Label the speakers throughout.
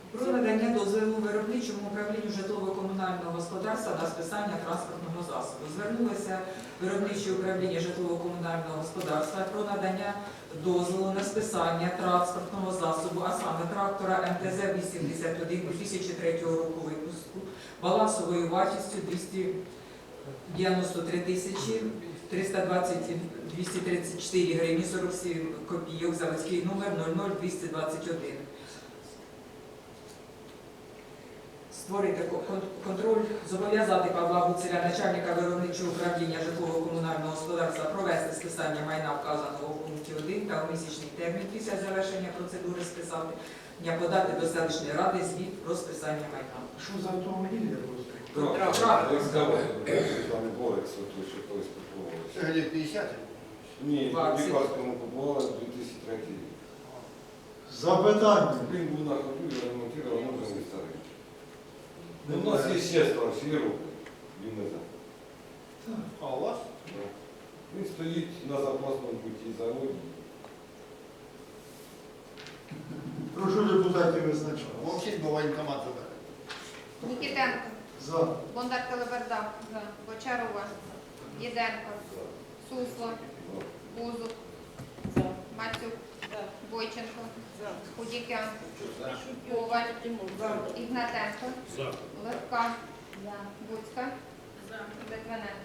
Speaker 1: Про надання дозволу виробничому управлінню житлово-комунального господарства на списання транспортного засобу. Звернулося виробниче управління житлово-комунального господарства про надання дозволу на списання транспортного засобу, а саме трактора МТЗ-81 2003 року випуску, балансовою вартістю 293 тисячі 234 гривні 47 копійок, заводський номер 00221. Створити контроль, зобов'язати Павла Гуцеля, начальника виробничого управління житлово-комунального господарства, провести списання майна, вказаного в пункті 1 та у місячний термін після завершення процедури списання подати до селищної ради звіт про списання майна.
Speaker 2: Що за автомобіль я просто?
Speaker 3: Це годі 50?
Speaker 4: Ні, в Лікарському побували 2003 рік.
Speaker 2: Запитання.
Speaker 4: Він був на ходу, я ремонтував, воно вже не старий. У нас є ще старші роки, він не знає.
Speaker 3: А у вас?
Speaker 4: Він стоїть на запасному путі заводі.
Speaker 2: Прошу депутатів визначати.
Speaker 3: Мовчить, бо воєнкомат задає.
Speaker 5: Нікітенко,
Speaker 2: За.
Speaker 5: Бондар Телеберда, Бочарова, Єденко, Сусло, Бузук, Мацюк, Бойченко, Худікян, Коваль, Ігнатенко, Левка, Буцька, Литвиненко.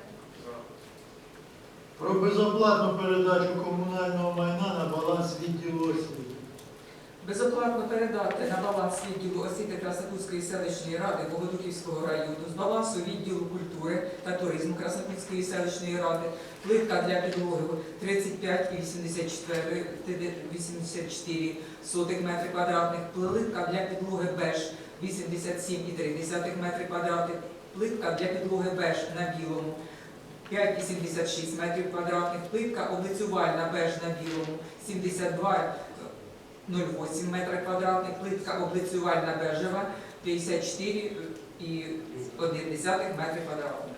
Speaker 2: Про безоплатну передачу комунального майна на баланс відділу освіти.
Speaker 1: Безоплатно передати на баланс відділу освіти Краснопутської селищної ради Богодухівського району з балансу відділу культури та туризму Краснопутської селищної ради плитка для підлоги 35,84 метри квадратних, плитка для підлоги беж 87,3 метри квадратних, плитка для підлоги беж на білому 5,86 метрів квадратних, плитка облицювальна беж на білому 72,08 метра квадратних, плитка облицювальна бежева 54,1 метри квадратних.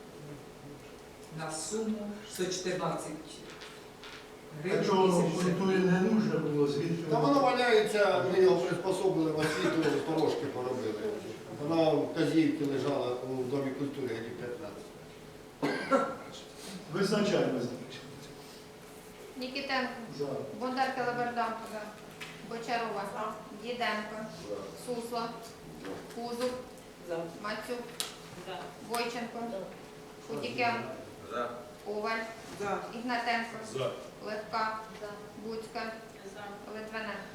Speaker 1: На суму 114 гривень.
Speaker 2: Якщо воно в культурі не нужно було, звідки?
Speaker 3: Та воно валяється, ми його приспособили в освіту, порожки поробили. Вона в Казівці лежала у Домі культури годі 15.
Speaker 2: Визначаємо.
Speaker 5: Нікітенко,
Speaker 2: За.
Speaker 5: Бондар Телеберда, Бочарова, Єденко, Сусло, Бузук, Мацюк, Бойченко, Худікян, Коваль, Ігнатенко, Левка, Буцька, Литвиненко.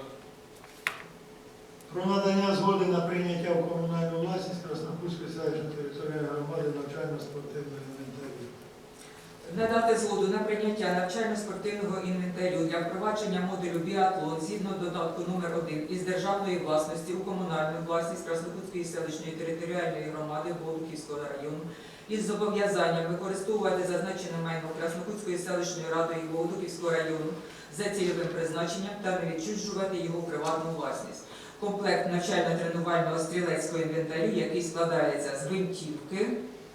Speaker 2: Про надання згоди на прийняття в комунальну власність Краснопутської селищної територіальної громади навчально-спортивної інвентарю.
Speaker 1: Надати згоду на прийняття навчально-спортивного інвентарю для впровадження модулю біатлон згідно додатку номер 1 із державної власності у комунальну власність Краснопутської селищної територіальної громади Богодухівського району із зобов'язанням використовувати зазначене майно Краснопутської селищної ради і Богодухівського району за цільовим призначенням та не відчужувати його в приватну власність. Комплект навчально-тренувального стрілецького інвентарю, який складається з гвинтівки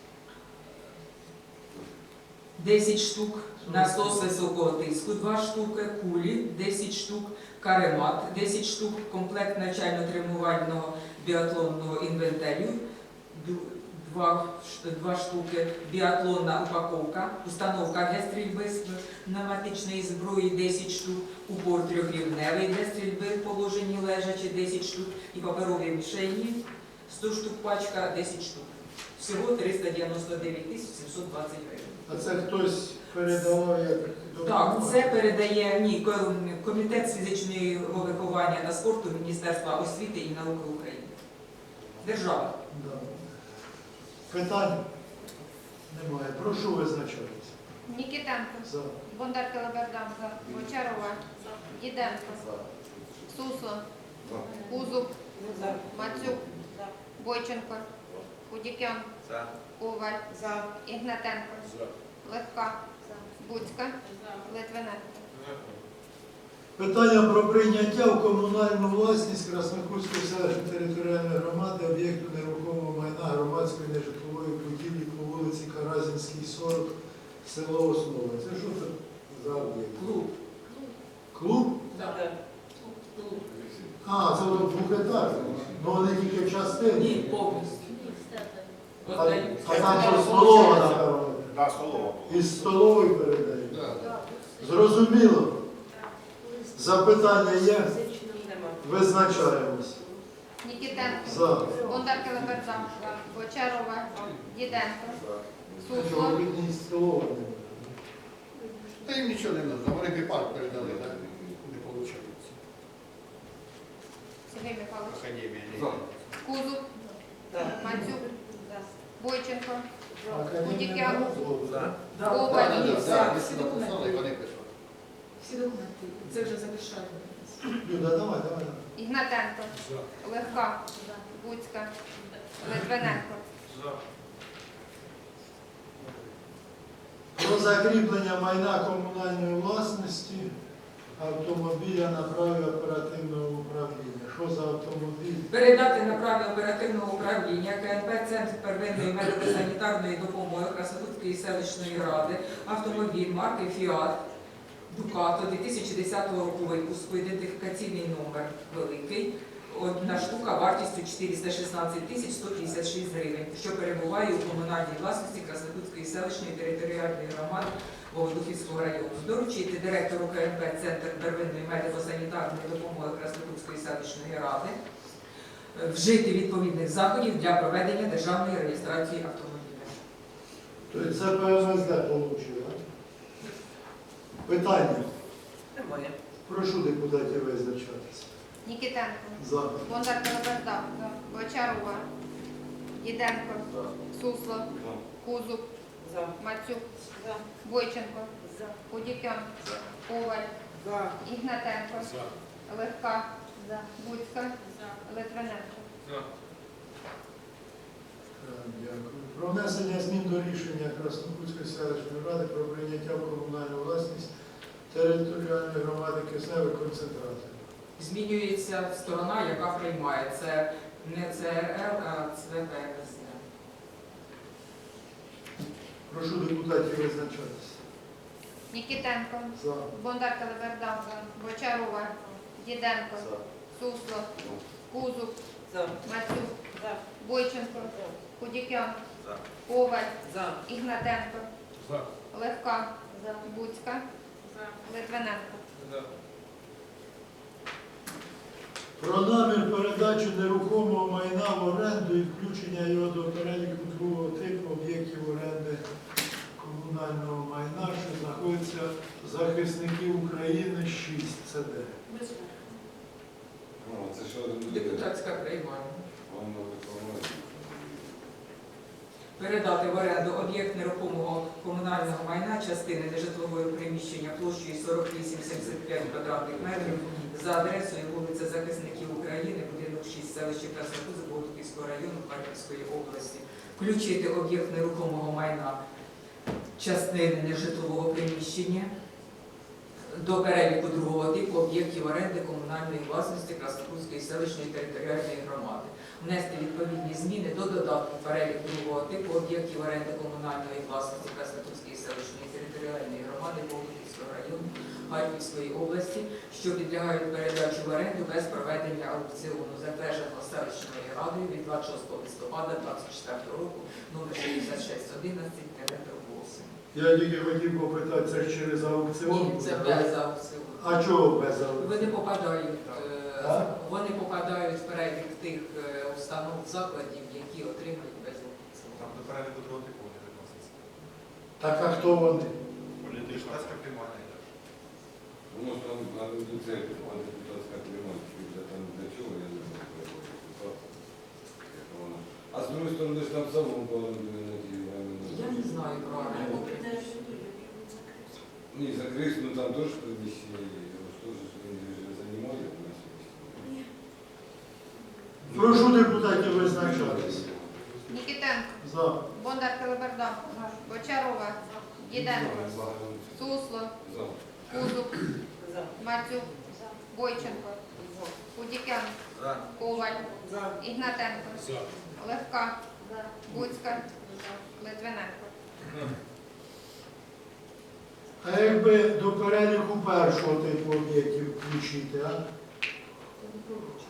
Speaker 1: 10 штук, насос високого тиску 2 штуки, кулі 10 штук, каремат 10 штук, комплект навчально-тренувального біатлонного інвентарю 2 штуки, біатлонна упаковка, установка для стрільби з пневматичної зброї 10 штук, упор трьохрівневий для стрільби в положенні лежачі 10 штук і паперові мішені 100 штук пачка 10 штук. Всього 399 720 гривень.
Speaker 2: А це хтось передавав як
Speaker 1: Так, це передає Комітет з фізичного виховання та спорту Міністерства освіти і науки України. Держава.
Speaker 2: Да. Питань немає. Прошу визначатися.
Speaker 5: Нікітенко,
Speaker 2: За.
Speaker 5: Бондар Телеберда, Бочарова, Єденко, Сусло, Бузук, Мацюк, Бойченко, Худікян, Коваль, Ігнатенко, Левка, Буцька, Литвиненко.
Speaker 2: Питання про прийняття в комунальну власність Краснопутської селищної територіальної громади об'єкту нерухомого майна громадської нежитлової будівлі по вулиці Каразінській, 40, село Основа. Це що це за об'єкт?
Speaker 1: Клуб.
Speaker 2: Клуб?
Speaker 1: Так.
Speaker 2: А, це воно двохетажне. Ну вони тільки частини.
Speaker 1: Ні, повністю.
Speaker 2: А,
Speaker 1: Отдають.
Speaker 2: а там що столова, напевно.
Speaker 3: Да, столова.
Speaker 2: Із столової передають.
Speaker 3: Да.
Speaker 2: Зрозуміло. Запитання є? Визначаємось.
Speaker 5: Нікітенко,
Speaker 2: За.
Speaker 5: Бондар Келеберда, Бочарова, Діденко, Сусло,
Speaker 2: Чоловікній столова.
Speaker 3: Та їм нічого не треба, вони біпарк передали, так? Не виходить.
Speaker 5: Сергій Михайлович,
Speaker 3: Академія.
Speaker 4: За.
Speaker 5: Кузуб, Мацюк, Бойченко,
Speaker 2: Академія наук.
Speaker 1: Да,
Speaker 5: Коваль.
Speaker 1: да, ні,
Speaker 3: Так,
Speaker 1: всі
Speaker 3: всі написали,
Speaker 1: документи.
Speaker 3: вони пишуть.
Speaker 1: Всі документи. Це вже завершально.
Speaker 2: Люда, давай.
Speaker 5: Ігнатенко, Легка, Буцька, Литвиненко,
Speaker 2: Про закріплення майна комунальної власності автомобіля на праві оперативного управління. Що за автомобіль?
Speaker 1: Передати на праві оперативного управління КНП «Центр первинної медико-санітарної допомоги Краснотутської селищної ради» автомобіль марки «Фіат» Дукато 2010 року випуску, ідентифікаційний номер великий, одна штука вартістю 416 тисяч 156 гривень, що перебуває у комунальній власності Краснотутської селищної територіальної громади Богодухівського району. Доручити директору КНП «Центр первинної медико-санітарної допомоги Краснотутської селищної ради» вжити відповідних заходів для проведення державної реєстрації автомобіля.
Speaker 2: Тобто це ПМСД отримали, так? Питання. Прошу депутатів визначатися.
Speaker 5: Нікітенко,
Speaker 2: За.
Speaker 5: Бондар Келеберда, Бочарова, Діденко, Сусло, Кузуб, Мацюк, Бойченко, Худікян, Коваль, Ігнатенко, Легка, Буцька, Литвиненко.
Speaker 2: Дякую. Про внесення змін до рішення Краснопутської селищної ради про прийняття в комунальну власність територіальної громади кисневих концентратів.
Speaker 1: Змінюється сторона, яка приймає. Це не ЦРЛ, а ЦВПСД.
Speaker 2: Прошу депутатів визначатися.
Speaker 5: Нікітенко,
Speaker 2: За.
Speaker 5: Бондар Келеберда, Бочарова, Діденко, Сусло, Кузуб, Мацюк, Бойченко, Худікян, Коваль, Ігнатенко, Легка, Буцька, Литвиненко.
Speaker 2: Про намір передачі нерухомого майна в оренду і включення його до переліку другого типу об'єктів оренди комунального майна, що знаходиться захисників України 6 ЦД.
Speaker 4: Ну, це що
Speaker 1: Депутатська приймальна.
Speaker 4: Воно виконує.
Speaker 1: Передати в оренду об'єкт нерухомого комунального майна частини нежитлового приміщення площею 48,75 квадратних метрів за адресою вулиця Захисників України, будинок 6, селище Краснокут, Богодухівського району Харківської області. Включити об'єкт нерухомого майна частини нежитлового приміщення до переліку другого типу об'єктів оренди комунальної власності Краснокутської селищної територіальної громади. Внести відповідні зміни до додатку перелік другого типу об'єктів оренди комунальної власності Краснокутської селищної територіальної громади Богодухівського району Харківської області, що підлягають передачі в оренду без проведення аукціону, затвердженого селищною радою від 26 листопада 2024 року номер 6611-8.
Speaker 2: Я тільки хотів попитати, це ж через аукціон?
Speaker 1: Ні, це без аукціону.
Speaker 2: А чого без аукціону?
Speaker 1: Вони попадають в перелік тих установ, закладів, які отримають без аукціону.
Speaker 6: Там до переліку другого типу вони відносяться.
Speaker 2: Так, а хто вони?
Speaker 6: Депутатська приймальна йде.
Speaker 4: Ну, там на це депутатська приймальна, там для чого, я не знаю, як вона. А з другої сторони, ж там самому повинні на ті
Speaker 1: Я не знаю правильно.
Speaker 4: Ні, закрыть, ну там тоже приміщення є, що ж він займає у нас.
Speaker 2: Прошу депутатів визначатися.
Speaker 5: Нікітенко,
Speaker 2: За.
Speaker 5: Бондар Келеберда, Бочарова, Діденко, Сусло,
Speaker 4: За.
Speaker 5: Кузуб, Мацюк, Бойченко, Худікян, Коваль, Ігнатенко, Легка, Буцька, Литвиненко.
Speaker 2: А якби до переліку першого типу об'єктів включити, а?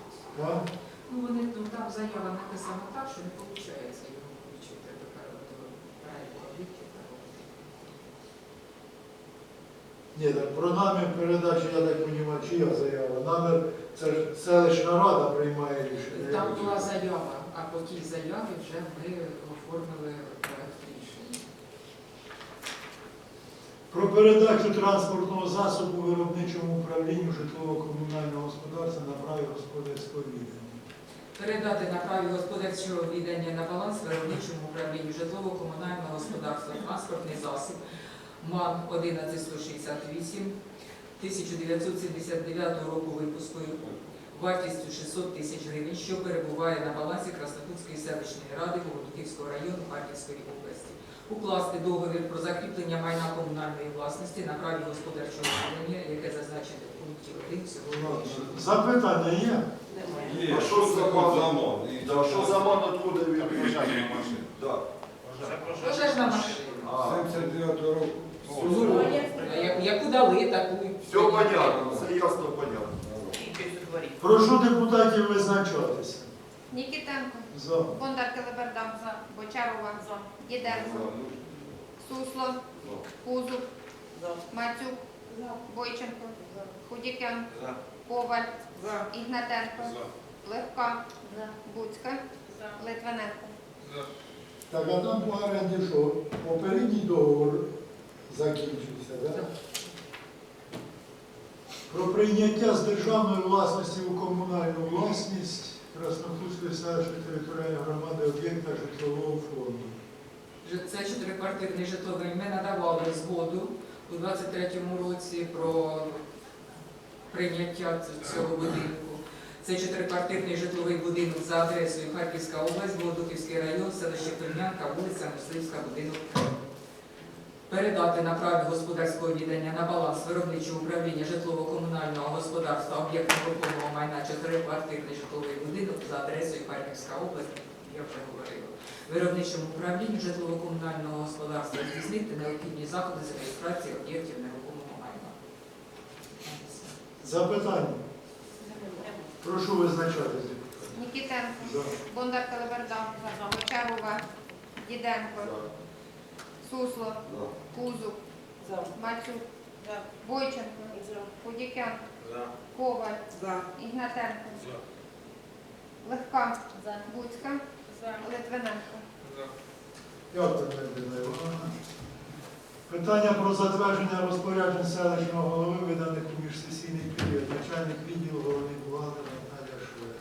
Speaker 1: заява написана так, що не виходить його включити до переліку об'єктів.
Speaker 2: Ні, так про намір передачі, я так розумію, чия заява. Намір, це ж селищна рада приймає рішення.
Speaker 1: Там була заява, а по тій заяві вже ми оформили проект рішення.
Speaker 2: Про передачу транспортного засобу виробничому управлінню житлово-комунального господарства на праві господарського відання.
Speaker 1: Передати на праві господарчого віддання на баланс виробничому управлінню житлово-комунального господарства транспортний засіб МАН 11168 1979 року випуску вартістю 600 тисяч гривень, що перебуває на балансі Краснопутської селищної ради Богодухівського району Харківської області. Укласти договір про закріплення майна комунальної власності на праві господарчого віддання, яке зазначено в пункті 1 цього рішення.
Speaker 2: Запитання є?
Speaker 4: Є, що за замон?
Speaker 7: Що за ман откуда він пожежна машина?
Speaker 4: Так.
Speaker 1: Пожежна машина.
Speaker 4: 79 року.
Speaker 1: Ну, яку дали, таку.
Speaker 7: Все понятно, все ясно понятно.
Speaker 2: Прошу депутатів визначатися.
Speaker 5: Нікітенко,
Speaker 2: За.
Speaker 5: Бондар Телеберда, Бочарова, Діденко, Сусло, Кузуб, Мацюк, Бойченко, Худікян, Коваль, Ігнатенко, Левка, Буцька, Литвиненко.
Speaker 2: Так, а там по оренді що? Попередній договор закінчився, так? Про прийняття з державної власності у комунальну власність Краснопутської селищної територіальної громади об'єкта житлового фонду.
Speaker 1: Це чотириквартирний житловий. Ми надавали згоду у 23-му році про прийняття цього будинку. Це чотириквартирний житловий будинок за адресою Харківська область, Богодухівський район, селище Пельнянка, вулиця Мисливська, будинок 3. Передати на праві господарського віддання на баланс виробничого управління житлово-комунального господарства об'єкт нерухомого майна чотириквартирний житловий будинок за адресою Харківська область, я вже говорила. Виробничому управлінню житлово-комунального господарства здійснити необхідні заходи з реєстрації об'єктів нерухомого майна.
Speaker 2: Запитання? Прошу визначатися.
Speaker 5: Нікітенко,
Speaker 2: За.
Speaker 5: Бондар Телеберда, Бочарова, Діденко, Сусло, Кузуб, Мацюк, Бойченко, Худікян, Коваль, Ігнатенко, Левка, Буцька, Литвиненко.
Speaker 2: Дякую, Надія Івановна. Питання про затвердження розпоряджень селищного голови, виданих у міжсесійний період. Начальник відділу головний бухгалтер Наталія Швед.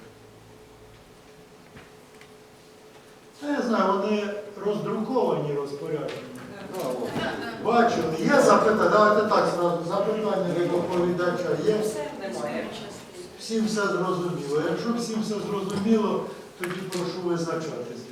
Speaker 2: Я знаю, вони роздруковані розпорядження. Бачили, є запитання, давайте так зразу, запитання до доповідача є. Всім все зрозуміло. Якщо всім все зрозуміло, тоді прошу визначатись.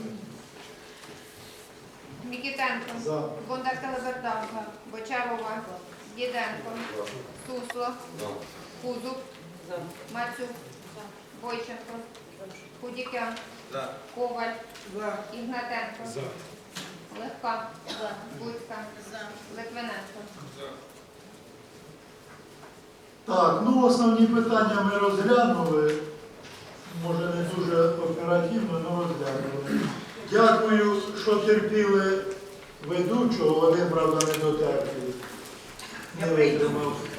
Speaker 5: Нікітенко,
Speaker 2: За.
Speaker 5: Бондар Телеберда, Бочарова, Діденко, Сусло, Кузуб, Мацюк, Бойченко, Худікян, Коваль, Ігнатенко, Левка, Буцька, Литвиненко.
Speaker 2: Так, ну основні питання ми розглянули. Може не дуже оперативно, але розглянули. Дякую, що терпіли ведучого, один, правда, не дотерпів. Не витримав.